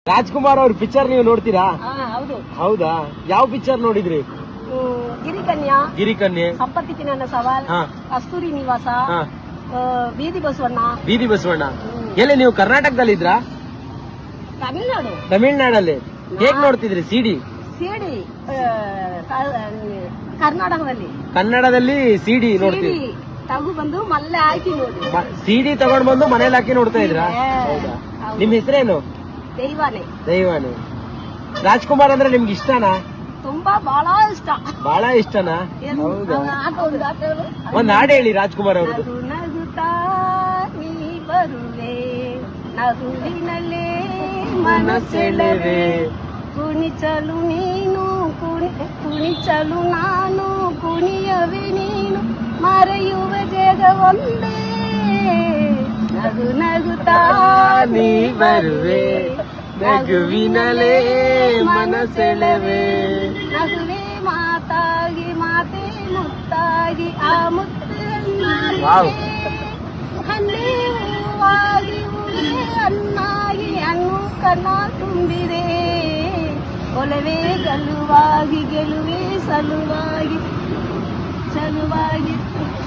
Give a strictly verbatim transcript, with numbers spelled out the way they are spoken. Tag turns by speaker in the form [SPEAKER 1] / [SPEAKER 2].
[SPEAKER 1] ರಾಜ್ಕುಮಾರ್ ಅವ್ರ ಪಿಕ್ಚರ್ ನೀವು ನೋಡ್ತೀರಾ?
[SPEAKER 2] ಹೌದು.
[SPEAKER 1] ಹೌದಾ? ಯಾವ ಪಿಕ್ಚರ್ ನೋಡಿದ್ರಿ?
[SPEAKER 2] ಗಿರಿಕನ್ಯಾ,
[SPEAKER 1] ಗಿರಿಕನ್ಯೆ,
[SPEAKER 2] ಸಂಪತ್ತಿಗೆ ನನ್ನ ಸವಾಲ್, ಕಸ್ತೂರಿ ನಿವಾಸ, ಬೀದಿ ಬಸವಣ್ಣ.
[SPEAKER 1] ಬೀದಿ ಬಸವಣ್ಣ ಎಲ್ಲಿ ನೀವು ಕರ್ನಾಟಕದಲ್ಲಿ ಇದ್ರಾ?
[SPEAKER 2] ತಮಿಳ್ನಾಡು.
[SPEAKER 1] ತಮಿಳ್ನಾಡಲ್ಲಿ ಹೇಗ್ ನೋಡ್ತಿದ್ರಿ ಸಿಡಿ?
[SPEAKER 2] ಸಿಡಿ ಕರ್ನಾಟಕದಲ್ಲಿ.
[SPEAKER 1] ಕನ್ನಡದಲ್ಲಿ ಸಿಡಿ ನೋಡ್ತೀವಿ.
[SPEAKER 2] ತಗು ಬಂದು ಮಲ್ಲೆ ಹಾಕಿ ನೋಡಿ.
[SPEAKER 1] ಸಿಡಿ ತಗೊಂಡ್ ಬಂದು ಮನೇಲಿ ಹಾಕಿ ನೋಡ್ತಾ ಇದ್ರಾ? ನಿಮ್ ಹೆಸರೇನು?
[SPEAKER 2] ದೈವಾನೆ.
[SPEAKER 1] ದೈವಾನೆ. ರಾಜ್ಕುಮಾರ್ ಅಂದ್ರೆ ನಿಮ್ಗೆ ಇಷ್ಟನಾ?
[SPEAKER 2] ತುಂಬಾ ಬಹಳ ಇಷ್ಟ.
[SPEAKER 1] ಬಹಳ ಇಷ್ಟನಾ? ಹೌದಾ? ಒಂದ್ ಹಾಡು ಹೇಳಿ ರಾಜ್ಕುಮಾರ್ ಅವ್ರದ್ದು.
[SPEAKER 2] ನಗುತ್ತಾ ನೀ ಬರುವೆ, ನಗುವಿನಲ್ಲೇ ಮನಸೆಳೆವೆ, ಕುಣಿಚಲು ನೀನು ಕುಣಿಚಲು ನಾನು, ಕುಣಿಯವೆ ನೀನು, ಮರೆಯುವ ಜಗ ಒಂದೇ, ನಗು ನಗುತ್ತಾ
[SPEAKER 1] ನೀ ಬರುವೆ, ನಗುವಿನಲೇ ಮನಸೆಳೆವೆ,
[SPEAKER 2] ನಗುವೆ ಮಾತಾಗಿ ಮಾತೆ ಮುತ್ತಾಗಿ, ಆ ಮುತ್ತಲ್ಲಿ ಹಣ್ಣೆ ಹೂವಾಗಿ, ಹೂವೇ ಹಣ್ಣಾಗಿ, ಹಣ್ಣು ಕಣ್ಣ ತುಂಬಿದೆ, ಒಲವೇ ಗೆಲುವಾಗಿ, ಗೆಲುವೆ ಸಲುವಾಗಿ ಸಲುವಾಗಿ